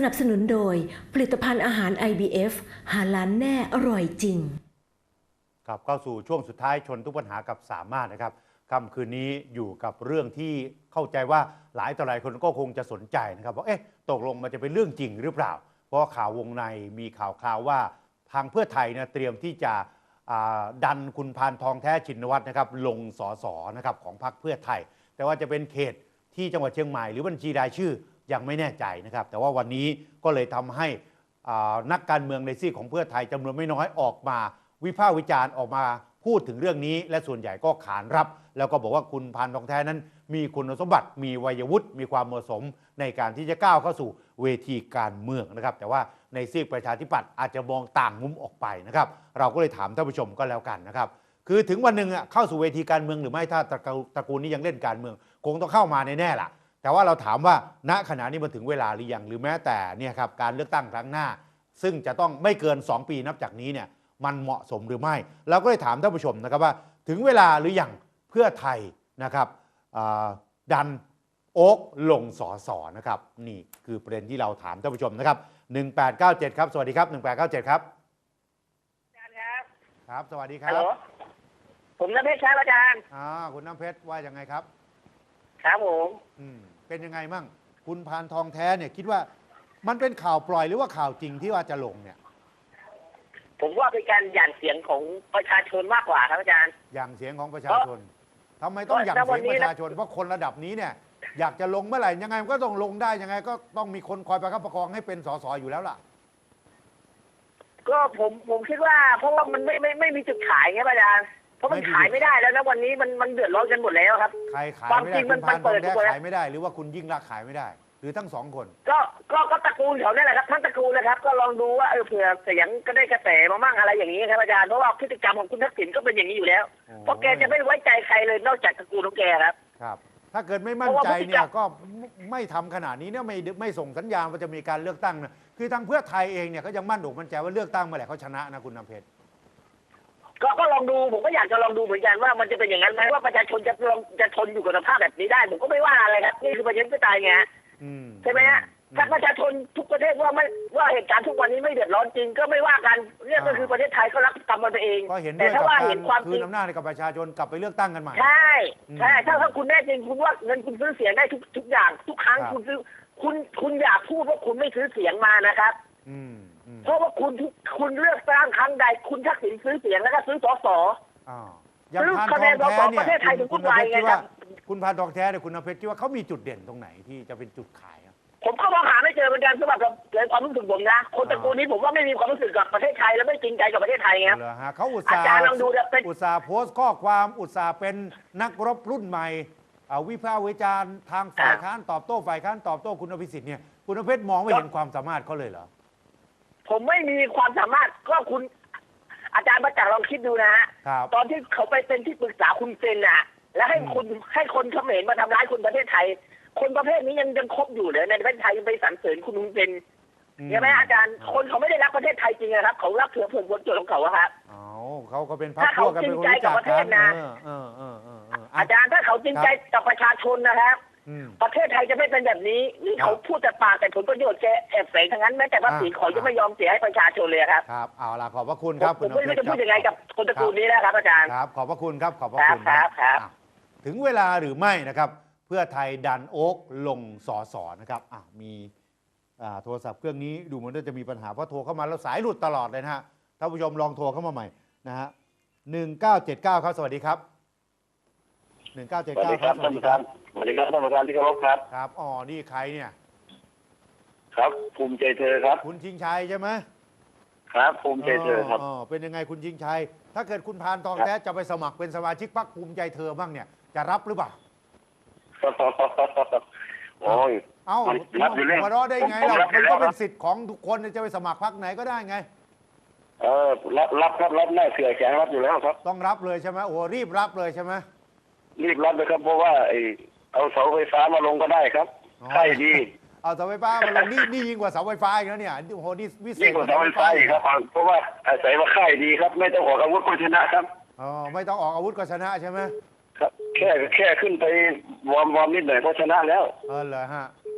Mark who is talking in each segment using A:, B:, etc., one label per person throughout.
A: นับสนุนโดยผลิตภัณฑ์อาหาร IBF หาล้านแน่อร่อยจริง
B: ครับเข้าสู่ช่วงสุดท้ายชนทุกปัญหากับสามารถนะครับค่ำคืนนี้อยู่กับเรื่องที่เข้าใจว่าหลายต่อหลายคนก็คงจะสนใจนะครับว่าตกลงมันจะเป็นเรื่องจริงหรือเปล่าเพราะข่าววงในมีข่าวว่าทางเพื่อไทยนะเตรียมที่จะดันคุณพานทองแท้ชินวัตรนะครับลงสสนะครับของพรรคเพื่อไทยแต่ว่าจะเป็นเขตที่จังหวัดเชียงใหม่หรือบัญชีรายชื่อยังไม่แน่ใจนะครับแต่ว่าวันนี้ก็เลยทำให้นักการเมืองในซีกของเพื่อไทยจำนวนไม่น้อยออกมาวิพากษ์วิจารณ์ออกมาพูดถึงเรื่องนี้และส่วนใหญ่ก็ขานรับแล้วก็บอกว่าคุณพานทองแท้นั้นมีคุณสมบัติมีวัยวุฒิมีความเหมาะสมในการที่จะก้าวเข้าสู่เวทีการเมืองนะครับแต่ว่าในซีกประชาธิปัตย์อาจจะมองต่างมุมออกไปนะครับเราก็เลยถามท่านผู้ชมก็แล้วกันนะครับคือถึงวันหนึ่งเข้าสู่เวทีการเมืองหรือไม่ถ้าตระกูลนี้ยังเล่นการเมืองคงต้องเข้ามาแน่ๆล่ะแต่ว่าเราถามว่าณขณะนี้มันถึงเวลาหรือยังหรือแม้แต่เนี่ยครับการเลือกตั้งครั้งหน้าซึ่งจะต้องไม่เกิน2 ปีนับจากนี้เนี่ยมันเหมาะสมหรือไม่เราก็เลยถามท่านผู้ชมนะครับว่าถึงเวลาหรือยังเพื่อไทยนะครับดันโอ๊กลงสสนะครับนี่คือประเด็นที่เราถามท่านผู้ชมนะครับ1897ครับสวัสดีครับ1897ครับ
C: อาจารย์ครับ
B: ครับสวัสดีครับ
C: ผมน้ำเพชรครับอาจารย์
B: คุณน้ำเพชรว่ายังไงครับ
C: ครับผม
B: เป็นยังไงมั่งคุณพานทองแท้เนี่ยคิดว่ามันเป็นข่าวปล่อยหรือว่าข่าวจริงที่ว่าจะลงเนี่ย
C: ผมว่าเป็นการหยั่นเสียงของประชาชนมากกว่าครับอาจารย์
B: หยั่นเสียงของประชาชนทำไมต้องหยั่นเสียงประชาชนเพราะคนระดับนี้เนี่ยอยากจะลงเมื่อไหร่ยังไงก็ต้องลงได้ยังไงก็ต้องมีคนคอยประคับประคองให้เป็นสสอยู่แล้วล่ะ
C: ก็ผมคิดว่าเพราะว่ามันไม่มีจุดขายไงอาจารย์เพราะมันขายไม่ได้แล้วนะวันนี้มันเดือดร้อนกันหมดแล้วครับ
B: ใครขายไม่ได้คุณพานทองแท้ขายไม่ได้หรือว่าคุณยิ่งรักขายไม่ได้หรือทั้ง2 คน
C: ก็ตระกูลเขาเนี่ยแหละครับทั้งตระกูลเลยครับก็ลองดูว่าเผื่อเสียงก็ได้กระแสมามั่งอะไรอย่างนี้ครับอาจารย์เพราะว่าพฤติกรรมของคุณทักษิณก็เป็นอย่างนี้อยู่แล้วเพราะแกจะไม่ไว้ใจใครเลยนอกจากตระกูลของแกครับ
B: ครับถ้าเกิดไม่มั่นใจเนี่ยก็ไม่ทำขนาดนี้เนี่ยไม่ส่งสัญญาณว่าจะมีการเลือกตั้งนะคือทางเพื่อไทยเองเนี่ยก็ยังมั่นอกมั่นใจว่าเลือกตั้งเมื่อไหร่เขาชนะนะคุณน้ำเพชร
C: ก็ลองดูผมก็อยากจะลองดูเหมือนกันว่ามันจะเป็นอย่างนั้นไหมว่าประชาชนจะทนอยู่กับสภาพแบบนี้ได้ผมก็ไม่ว่าอะไรครับนี่คือประชาธิปไตยไงใช่ไหมฮะถ้าประชาชนทุกประเทศว่าเหตุการณ์ทุกวันนี้ไม่เดือดร้อนจริงก็ไม่ว่ากันเรื่องก็คือประเทศไทยเขารับกรรมมันไปเอง
B: แต่ถ้าว่าเห็นความจริงคืนอำนาจให้กับประชาชนกลับไปเลือกตั้งกันใหม่
C: ใช่ถ้าคุณแน่จริงคุณว่าเงินคุณซื้อเสียงได้ทุกอย่างทุกครั้งคุณซื้อคุณอยากพูดว่าคุณไม่ซื้อเสียงมานะครับเพราะว่าคุณเลือกตั้งครั้งใดคุณทักษิณซื้อเสียงแล้วก็ซื้อสส
B: ซื้อคะแนนสสประเทศไทยถึงทุกวันไงครับคุณพานทองแท้เนี่ยคุณน้ำเพชรคิดว่าเขามีจุดเด่นตรงไหนที่จะเป็นจุดขาย
C: ผมก็มองหาไม่เจอเหมือนกันสำหรับความรู้สึกผมนะคนตระกูลนี้ผมว่าไม่มีความรู้สึกกับประเทศไทยและไม่จริงใจกับประเทศไทยครับ
B: เขาอุตส่าห์โพสต์ข้อความอุตส่าห์เป็นนักรบรุ่นใหม่วิพากษ์วิจารณ์ทางฝ่ายค้านตอบโต้ฝ่ายค้านตอบโต้คุณอภิสิทธิ์เนี่ยคุณน้ำเพชรมองไม่เห็นความสามารถเขาเลยเหรอ
C: ผมไม่มีความสามารถก็คุณอาจารย์ประจักษ์ลองคิดดูนะฮะตอนที่เขาไปเป็นที่ปรึกษาคุณเซนน่ะแล้วให้คนเขมรมาทำร้ายคนประเทศไทยคนประเภทนี้ยังคบอยู่เลยในประเทศไทยยังไปสรรเสริญคุณฮุนเซนใช่ไหมอาจารย์คนเขาไม่ได้รักประเทศไทยจริงนะครับเขารักเถื่อผลประโยชน์ของเขาครับ
B: เขาก็เป็นพรรคพวกกันเป็นคนรู้จักกัน
C: อาจารย์ถ้าเขาจริงใจกับประชาชนนะครับประเทศไทยจะไม่เป็นแบบนี้นี่เขาพูดแต่ปากแต่ผลประโยชน์แกแอบแฝงทั้งนั้นแม้แต่ภาษีเขาจะไม่ยอมเสียให้ประชาชนเลยครับ
B: ครับเอาล่ะขอบพระคุณครับ
C: ผมไม่รู้จะพูดยังไงกับคนตระกูลนี้นะครับอาจารย์
B: ครับขอบพระคุณครับขอบพระคุณครับถึงเวลาหรือไม่นะครับเพื่อไทยดันโอ๊กลงสสนะครับมีโทรศัพท์เครื่องนี้ดูเหมือนจะมีปัญหาเพราะโทรเข้ามาแล้วสายหลุดตลอดเลยนะฮะท่านผู้ชมลองโทรเข้ามาใหม่นะฮะ1979ครับสวัสดีครับ1979ครับ
D: สวัสดีครับสวัสดีครับท่านประธานที่เคารพครับ
B: ครับนี่ใครเนี่ย
D: ครับภูมิใจเธอครับ
B: คุณชิงชัยใช่ไหม
D: ครับภูมิใจเธอครับ
B: เป็นยังไงคุณชิงชัยถ้าเกิดคุณพานทองแท้จะไปสมัครเป็นสมาชิกพรรคภูมิใจเธอบ้างเนี่ยจะรับหรือเปล่า
D: โอ้ย
B: รับอยู่แล้วมาร้อได้ไงเรามันก็เป็นสิทธิ์ของทุกคนจะไปสมัครพรรคไหนก็ได้ไง
D: รับครับรับแน่เสือแข็งรับอยู่แล้วครับ
B: ต้องรับเลยใช่ไหมรีบรับเลยใช่ไหม
D: รีบรับเลยครับเพราะว่าเอาเสาไฟฟ้ามาลงก็ได้ครับใช่ดี
B: เอาเสาไฟฟ้ามาลงนี่ยิ่งกว่าเสาไฟฟ้าอีกแล้วเนี่ยโอ้โหนี่วิเศษ
D: ยิ่งกว่าเสาไฟฟ้าอีกครับเพราะว่าอาศัยว่าค่ายดีครับไม่ต้องออกอาวุธก็ชนะครับ
B: ไม่ต้องออกอาวุธก็ชนะใช่ไหม
D: ครับแค่ขึ้นไปวอร์มนิดหน่อยก็ชนะแล้ว
B: เหรอฮะ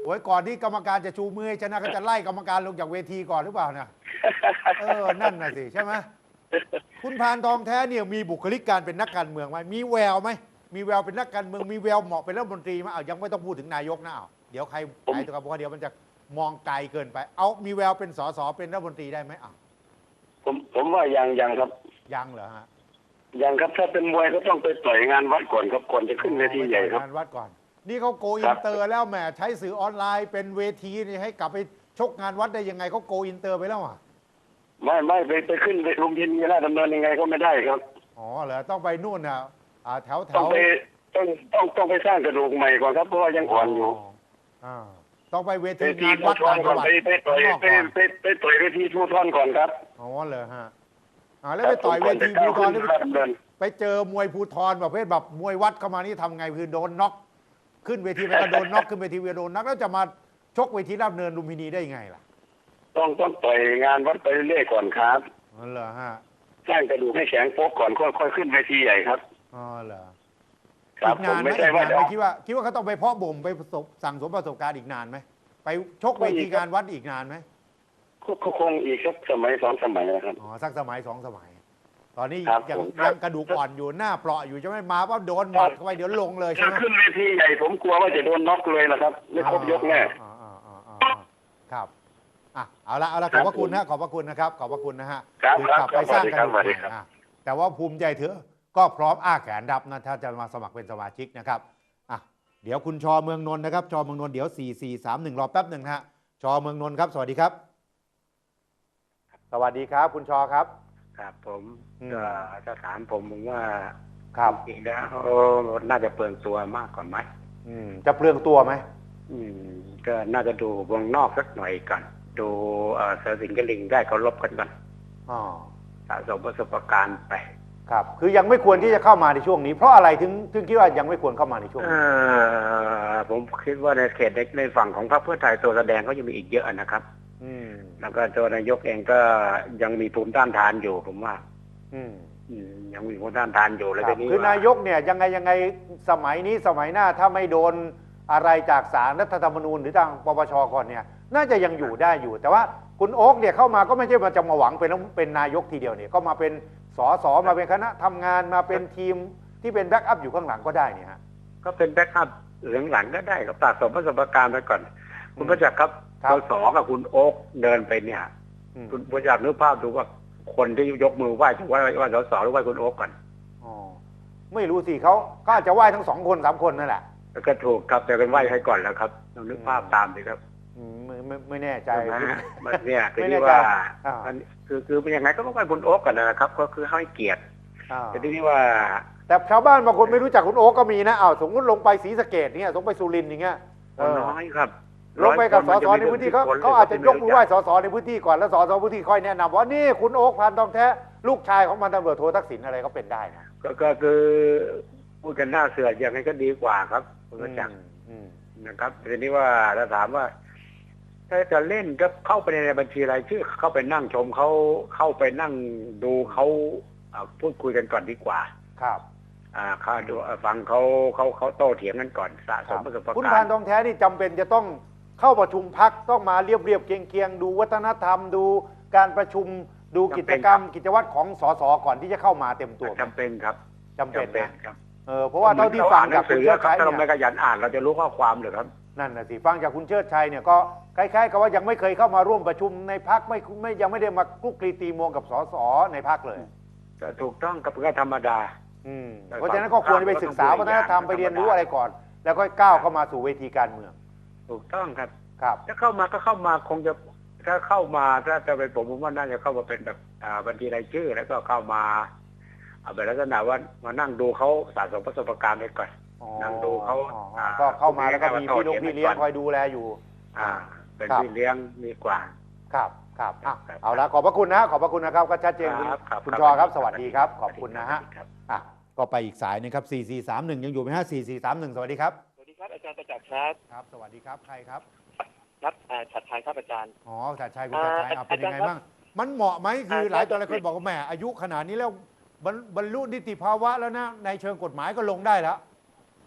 B: โอ้ยก่อนที่กรรมการจะชูมือให้ชนะก็จะไล่กรรมการลงจากเวทีก่อนหรือเปล่านะนั่นน่ะสิใช่ไหมคุณพานทองแท้เนี่ยมีบุคลิกการเป็นนักการเมืองไหมมีแววไหมมีแววเป็นนักการเมืองมีแววเหมาะเป็นรัฐมนตรีไหมยังไม่ต้องพูดถึงนายกนะเดี๋ยวใครตัวกับเพราะเดี๋ยวมันจะมองไกลเกินไปมีแววเป็นสสเป็นรัฐมนตรีได้ไหม
D: ผมว่ายังครับ
B: ยังเหรอฮะ
D: ยังครับถ้าเป็นมวยก็ต้องไปต่อยงานวัดก่อนครับก่อนจะขึ้นเวทีใหญ่ครับ
B: งานวัดก่อนนี่เขาโกอินเตอร์แล้วแหมใช้สื่อออนไลน์เป็นเวทีนี่ให้กลับไปชกงานวัดได้ยังไงเขาโกอินเตอร์ไปแล้ว
D: ไม่ไปขึ้นลุมพินีราชดำเนินยังไงก็ไม่ได้ครับ
B: เหรอต้องไปนู่นแถว
D: ต้องไปสร้างกระดูกใหม่ก่อนครับเพราะว่ายังอ่อนอยู่
B: ต้องไปเวทีงานวัดก่อน
D: ไปต่อยเวทีภูธรก่อนครับ
B: เหรอฮะแล้วไปต่อยเวทีภูธรไปเจอมวยภูธรประเภทแบบมวยวัดเข้ามานี่ทำไงคือโดนน็อกขึ้นเวทีไปก็โดนน็อกขึ้นเวทีโดนน็อกแล้วจะมาชกเวทีราชดำเนินลุมพินีได้ยังไงล่ะ
D: ต้องต่อยงานวัดไปเรื่อยก่อนครับ
B: เหรอฮะ
D: สร้างกระดูกให้แข็งโป๊กก่อนค่อยขึ้นเวทีใหญ่ครับ
B: เหรอ
D: ครับ
B: ผมไม่ใช่ว่าคิดว่าเขาต้องไปเพาะบ่มไปสั่งสมประสบการณ์อีกนานไหมไปชกเวทีงานวัดอีกนานไหม
D: คงอีกสักสมัย2 สมัยนะครับ
B: สักสมัย2 สมัยตอนนี้ยังกระดูกอ่อนอยู่หน้าเปราะอยู่จะไม่มาว่าโดนหมัดเข้าไปเดี๋ยวลงเลยใช่ไหม
D: ขึ้นเวทีใหญ่ผมกลัวว่าจะโดนน็อกเลยนะครับไม่ครบยกแน่
B: ครับเอาละขอบพระคุณนะขอบพระคุณนะครับขอบพระคุณนะฮะ
D: คื
B: อกลับไปสร้างกระดูกใหม่แต่ว่าภูมิใจเถอะก็พร้อมอ้าแขนรับนะถ้าจะมาสมัครเป็นสมาชิกนะครับเดี๋ยวคุณชอเมืองนนท์นะครับชอเมืองนนท์เดี๋ยว4431รอแป๊บหนึ่งนะฮะชอเมืองนนท์ครับสวัสดีครับสวัสดีครับคุณชอครับ
E: ครับผมก็จะถามผมว่า
B: ครับ
E: จริงแล้วน่าจะเปลืองตัวมากกว่าไหม
B: จะเปลืองตัวไหม
E: ก็น่าจะดูวงนอกสักหน่อยก่อนดูเสือสิงห์กลิงได้เขาลบกันก่อนสะสมประสบการณ์ไป
B: ครับคือยังไม่ควรที่จะเข้ามาในช่วงนี้เพราะอะไรถึงคิดว่ายังไม่ควรเข้ามาในช่วงนี้
E: ผมคิดว่าในเขตในฝั่งของพรรคเพื่อไทยตัวแสดงก็ยังมีอีกเยอะนะครับแล้วก็ตัวนายกเองก็ยังมีภูมิต้านทานอยู่ผมว่ายังมีภูมิต้านทานอยู่แล้วทีนี้
B: คือนายกเนี่ยยังไงสมัยนี้สมัยหน้าถ้าไม่โดนอะไรจากศาลรัฐธรรมนูญหรือทางปปชก่อนเนี่ยน่าจะยังอยู่ได้อยู่แต่ว่าคุณโอ๊คเนี่ยเข้ามาก็ไม่ใช่จะมาหวังเป็นนายกทีเดียวเนี่ยก็มาเป็นสสมาเป็นคณะทำงานมาเป็นทีมที่เป็นแบ็กอัพอยู่ข้างหลังก็ได้เนี่ยฮะ
E: ก็เป็นแบ็กอัพหลังก็ได้กับสะสมประสบการณ์ไปก่อนคุณประจักษ์ครับสสกับคุณโอ๊คเดินไปเนี่ยคุณประจักษ์นึกภาพดูว่าคนที่ยกมือไหว้จะว่าสสหรือไหว้คุณโอ๊คก่อน
B: ไม่รู้สิเขาอาจจะไหว้ทั้ง2 คน3 คนนั่นแหละ
E: ก็ถูกครับแต่เป็นไหว้ให้ก่อนแล้วครับลองนึกภาพตามสิครับ
B: ไม่แน่ใจ
E: เนี่ยคือว่าคือเป็นยังไงก็ต้องไหว้คุณโอ๊คก่อนนะครับก็คือให้เกียรติแต่ที่ว่า
B: แต่ชาวบ้านบางคนไม่รู้จักคุณโอ๊คก็มีนะสมมติลงไปศรีสะเกษเนี่ยลงไปสุรินทร์อย่างเงี้ย
E: น้อยครับ
B: ลงไปกับสสในพื้นที่เขาอาจจะยกมือไหว้สสในพื้นที่ก่อนแล้วสสพื้นที่ค่อยแนะนำว่านี่คุณโอ๊คพานทองแท้ลูกชายของพันตำรวจโททักษิณอะไรก็เป็นได้นะ
E: ก็คือพูดกันหน้าเสืออย่างนี้ก็ดีกว่าครับคุณประจักษ์นะครับทีนี้ว่าถ้าถามว่าถ้าจะเล่นก็เข้าไปในบัญชีรายชื่อเข้าไปนั่งชมเขาเข้าไปนั่งดูเขาพูดคุยกันก่อนดีกว่า
B: ครับ
E: ข้าดูฟังเขาโต้เถียงกันก่อนสะสมประสบการณ์
B: คุณพานทองแท้นี่จำเป็นจะต้องเข้าประชุมพักต้องมาเรียบเคียงดูวัฒนธรรมดูการประชุมดูกิจกรรมกิจวัตรของสสก่อนที่จะเข้ามาเต็มตัว
E: จำเป็นครับ
B: จำเป็นนะครับเพราะว่าเท่าที่ฟังจากคุณเชิดชัย
E: ถ้าเราไม่ขยันอ่านเราจะรู้ข้อความหรือครับ
B: นั่นน่ะสิฟังจากคุณเชิดชัยเนี่ยก็คล้ายๆกับว่ายังไม่เคยเข้ามาร่วมประชุมในพรรคยังไม่ได้มาคลุกคลีตีมวงกับสสในพรรคเลย
E: ถูกต้องกับก็ธรรมดา
B: เพราะฉะนั้นก็ควรจะไปศึกษาวัฒนธรรมไปเรียนรู้อะไรก่อนแล้วก็ก้าวเข้ามาสู่เวทีการเมือง
E: ถูกต้องครับ
B: ครับ
E: ถ้าเข้ามาก็เข้ามาคงจะถ้าเข้ามาถ้าจะเป็นผมว่าน่าจะเข้ามาเป็นแบบบัญชีรายชื่อแล้วก็เข้ามาแบบลักษณะว่ามานั่งดูเขาสะสมประสบการณ์ไปก่อนนั่งดูเขา
B: ก็เข้ามาแล้วก็มีพี่เลี้ยงคอยดูแลอยู่
E: เป็นพี่เลี้ยงดีกว่า
B: ครับเอาละขอบพระคุณนะขอบพระคุณนะครับก็ชัดเจนคุณชอครับสวัสดีครับขอบคุณนะฮะก็ไปอีกสายนึงครับ4431ยังอยู่ไหมฮะ4431สวัสดีครับ
F: สวัสดีครับอาจารย์ประจักษ์ครับ
B: ครับสวัสดีครับใครครับ
F: นัดฉัตรชัยครับอาจารย์
B: ฉัตรชัยคุณฉัตรชัยเป็นยังไงบ้างมันเหมาะไหมคือหลายคนบอกว่าแหมอายุขนาดนี้แล้วบรรลุนิติภาวะแล้วนะในเชิงกฎหมายก็ลงได้แล้ว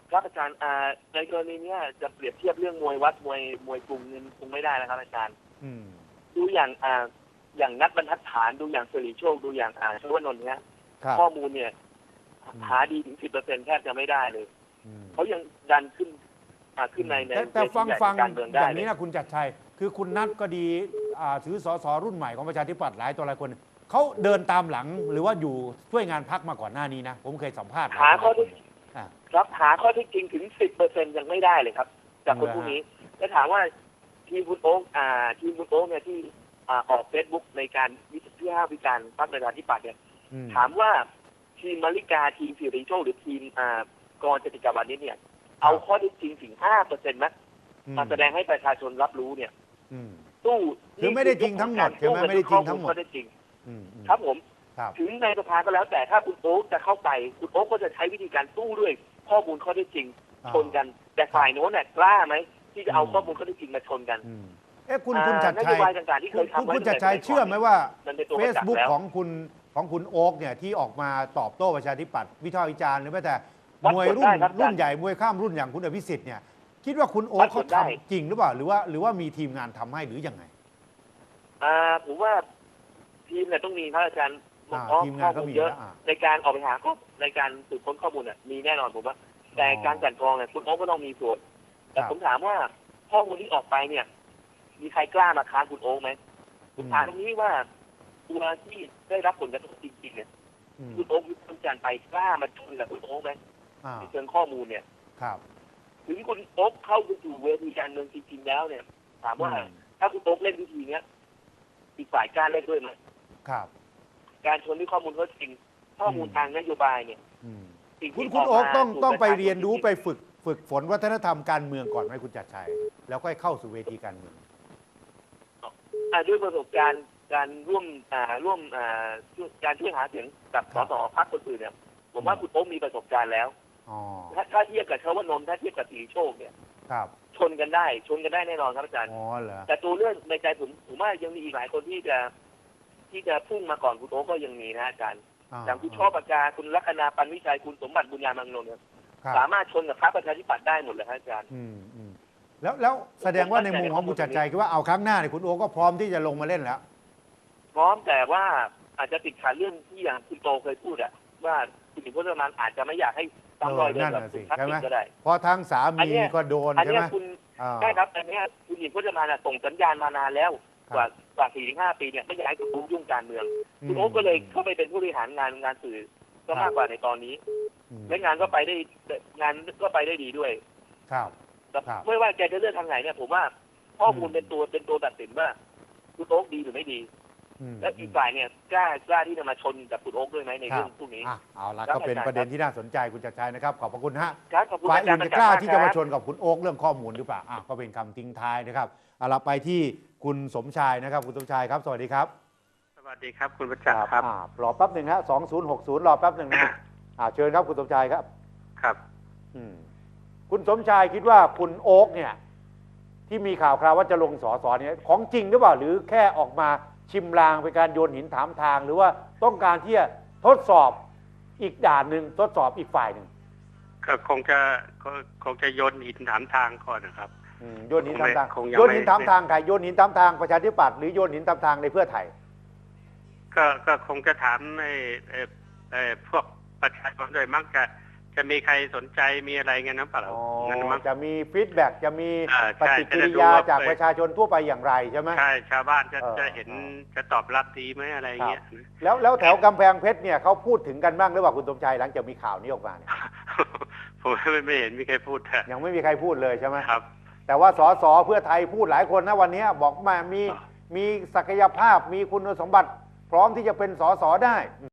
F: ครับอาจารย์ในกรณีเนี้ยจะเปรียบเทียบเรื่องมวยวัดมวยกรุงนี่คงไม่ได้นะครับอาจารย์
B: อืม
F: ดูอย่างนัดบรรทัดฐานดูอย่างสิริโชคดูอย่างชวนนท์เนี้ย
B: ครับ
F: ข้อมูลเนี่ย
B: อืม
F: หาดีถึง 10%แทบจะไม่ได้เลย
B: อืม
F: เขายังดันขึ้นใน
B: แต่
F: เวที
B: ฟัง
F: ใหญ่
B: ฟัง
F: การเมือง
B: อ
F: ได้
B: ย่าง
F: เล
B: นี้
F: ย
B: นะคุณจัดชัยคือคุณนัทก็ดีถือสสรุ่นใหม่ของประชาธิปัตย์หลายตัวหลายคนเขาเดินตามหลังหรือว่าอยู่ช่วยงานพักมาก่อนหน้านี้นะผมเคยสัมภาษณ์
F: หาข้อเท็จ
B: อ่า
F: ครับหาข้อเท็จจริงถึง 10%ยังไม่ได้เลยครับ จากคนพวกนี้ แล้วถามว่าทีมคุณโอ๊กเนี่ยที่ออกเฟซบุ๊กในการวิพากษ์พรรคประชาธิปัตย์เนี่ย
B: อืม
F: ถามว่าทีมมาริกาทีมสิริโชคหรือทีมกรจติกาวันนี้เนี่ย เอาข้อเท็จจริงถึง 5% ไหมมาแสดงให้ประชาชนรับรู้เนี่ย
B: อืม
F: ตู้
B: คือไม่ได้จริงทั้งหมดใช่ไหมไม่ได้จริงทั้งหมด
F: ข้อเท็จจริง
B: อืมอืม
F: ครับผม
B: ครับ
F: ถึงในสภาก็แล้วแต่ถ้าคุณโอ๊คจะเข้าไปคุณโอ๊คก็จะใช้วิธีการสู้ด้วยข้อมูลข้อเท็จจริง ชนกัน แต่ฝ่ายโน้นเนี่ยกล้าไหมที่จะเอาข้อมูลข้อเท็จจริงมาชนกัน
B: อืมคุณจัด
F: น
B: ชั
F: โย
B: ย
F: บายต่างๆที่เคยทำไว้
B: คุณจัดชัยเชื่อไหมว่า
F: มันเป็นตัว
B: เฟ
F: ประ
B: ซ
F: จักษ์
B: บุ๊ก
F: แล้ว
B: ของคุณโอ๊กเนี่ยที่ออกมาตอบโต้ประชาธิปัตย์วิพากษ์วิจารณ์หรือแม้แต่
F: วัด
B: มวย
F: ผลได้ครับ
B: รุ่นใหญ่มวยข้ามรุ่นอย่างคุณอภิสิทธิ์เนี่ยคิดว่าคุณโอ๊
F: วั
B: ก
F: ดผ
B: เขา
F: ลได้
B: ทำจริงหรือเปล่าหรือว่ามีทีมงานทำให้หรือยังไง
F: ผมว่าทีมเนี่ยต้องมีครับอาจารย์
B: ทีมงานก็มี
F: เยอะ
B: แล้ว
F: ในการออกไปหาข้อในการสืบค้นข้อมูลเนี่ยมีแน่นอนผมว่า แต่การกลั่นกรองเนี่ยคุณโอ๊คก็ต้องมีส่วนแต่ผมถามว่าข้อมูลที่ออกไปเนี่ย มีใครกล้ามาค้านคุณโอ๊คไหมผมถามตรงนี้ว่าตัวที่ได้รับผลกระทบจริงๆเนี่ย
B: อืม
F: คุณโอ๊ควิพากษ์วิจารณ์ไปกล้ามาชนกับคุณโอ๊คไหม
B: อ่า
F: ในเชิงข้อมูลเนี่ย
B: ครับ
F: ถึงคุณโอ๊คเข้าไปสู่เวทีการเมืองจริงๆแล้วเนี่ย ถามว่า
B: อืม
F: ถ้าคุณโอ๊คเล่นวิธีเนี้ยอีกฝ่ายกล้าเล่นด้วยไหม
B: ครับ
F: การชนด้วยข้อมูลข้อจริง ข้อมูลทางนโยบายเนี่ย
B: อืม
F: สิ่ง
B: คุณ
F: ที่
B: โอ๊กต้อง
F: สู่
B: ต้องไป
F: ะชาช
B: เรียนรู้
F: จงๆ
B: ไปฝึกฝนวัฒนธรรมการเมืองก่อนไหมคุณจัดชัยแล้วค่อยเข้าสู่เวทีการเมือง
F: ด้วยประสบการณ์การร่วมการช่วยหาเสียงกับสสพรรคคนอื่นเนี่ยผมว่าคุณโอ๊คมีประสบการณ์แล้ว
B: อ๋อ
F: ถ้าเทียบกับชวนนท์ถ้าเทียบกับสีโชคเนี่ย
B: ครับ
F: ชนกันได้แน่นอนครับอาจารย์
B: อ๋อเหรอ
F: แต่ตัวเรื่องในใจผมว่ายังมีอีกหลายคนที่จะพุ่งมาก่อนคุณโอ๊คก็ยังมีนะอาจารย์อย่างคุณช่อปากกาคุณลัคนาปันวิชัยคุณสมบัติบุญญามังนนท์เนี่ย
B: ครับ
F: สามารถชนกับพรรคประชาธิปัตย์ได้หมดเลยครับอาจารย์
B: อืมแล้วแสดงว่าในมุมของคุณจัดชัยคือว่าเอาครั้งหน้าเนี่ยคุณโอ๊กก็พร้อมที่จะลงมาเล่นแล้ว
F: พร้อมแต่ว่าอาจจะติดขัดเรื่องที่อย่างคุณโตเคยพูดอะว่าคุณหญิงพจมานอาจจะไม่อยากให้ซ้ำรอยเดิมกับคุณทักษิณก็ได้
B: เพราะทางสา
F: อัน
B: มี
F: เนี้ย
B: ก็โดน
F: อัน
B: ใช่
F: เนี้
B: ไห
F: ย
B: ม
F: คุณ
B: อ่า
F: ใช่ครับอันเนี้ยคุณหญิงพจมานส่งสัญญาณมานานแล้วกว่า 4-5 ปีเนี่ยไม่อยากให้คุณโอ๊คยุ่งการเมืองคุณโอ๊คก็เลยเข้าไปเป็นผู้บริหารงานสื่อก็มากกว่าในตอนนี้ และงานก็ไปได้ดีด้วย
B: ครับ
F: ไม่ว่าแกจะเลือกทางไหนเนี่ยผมว่าข้อมูลเป็นตัวตัดสินว่าคุณโอ๊คดีหรือไม่ดี และอีกฝ่ายเนี่ยกล้าที่จะมาชนกับคุณโอ๊คด้วยไหมในเรื่องพวกนี้
B: เอาละก็เป็นประเด็นที่น่าสนใจคุณจัดชัยนะครับขอบพระคุณฮะ
F: ครับขอบคุณ
B: ฝ่าย
F: อาจา
B: อื่
F: ร
B: น
F: ย์
B: จะกล้าที่จะมา
F: ครับ
B: ชนกับคุณโอ๊กเรื่องข้อมูลหรือเปล่าก็เป็นคำทิ้งท้ายนะครับเอาละไปที่คุณสมชายนะครับคุณสมชายครับสวัสดีครับ
E: สวัสดีครับคุณประจักษ์ครับ
B: รอแป๊บหนึ่งฮะ2060รอแป๊บหนึ่งนะฮะเชิญครับคุณสมชายครับ
E: ครับ
B: คุณสมชายคิดว่าคุณโอ๊กเนี่ยที่มีข่าวคราวว่าจะลงสสเนี่ยของจริงหรือเปล่าหรือแค่ออกมาชิมลางเป็นการโยนหินถามทาง หรือว่าต้องการที่จะทดสอบอีกด่านหนึ่งทดสอบอีกฝ่ายหนึ่ง
E: ก็คงจะโยนหินถามทางก่อนนะครับ
B: โยนหินถามทาง
E: คงยังไม่
B: โยนหินถามทางใครโยนหินถามทางประชาธิปัตย์หรือโยนหินถามทางในเพื่อไทย
E: ก็คงจะถามพวกประชาชนโดยมักจะมีใครสนใจมีอะไรเงี้ยนะเปล่างั้นมั้ง
B: จะมีฟีดแบ็กจะมี
E: ใช่
B: ปฏิกิริยาจากประชาชนทั่วไปอย่างไรใช่ไหม
E: ใช่ชาวบ้านจะ
B: เออ
E: เห็นจะตอบรับดีไหมอะไรเงี้ย
B: แล้วแถวกำแพงเพชรเนี่ยเขาพูดถึงกันบ้างหรือเปล่าคุณสมชายหลังจากมีข่าวนี้ออกมาเนี่ย
E: ผมไม่เห็นมีใครพูด
B: ยังไม่มีใครพูดเลยใช่ไหม
E: ครับ
B: แต่ว่าสสเพื่อไทยพูดหลายคนนะวันนี้บอกมามีศักยภาพมีคุณสมบัติพร้อมที่จะเป็นสสได้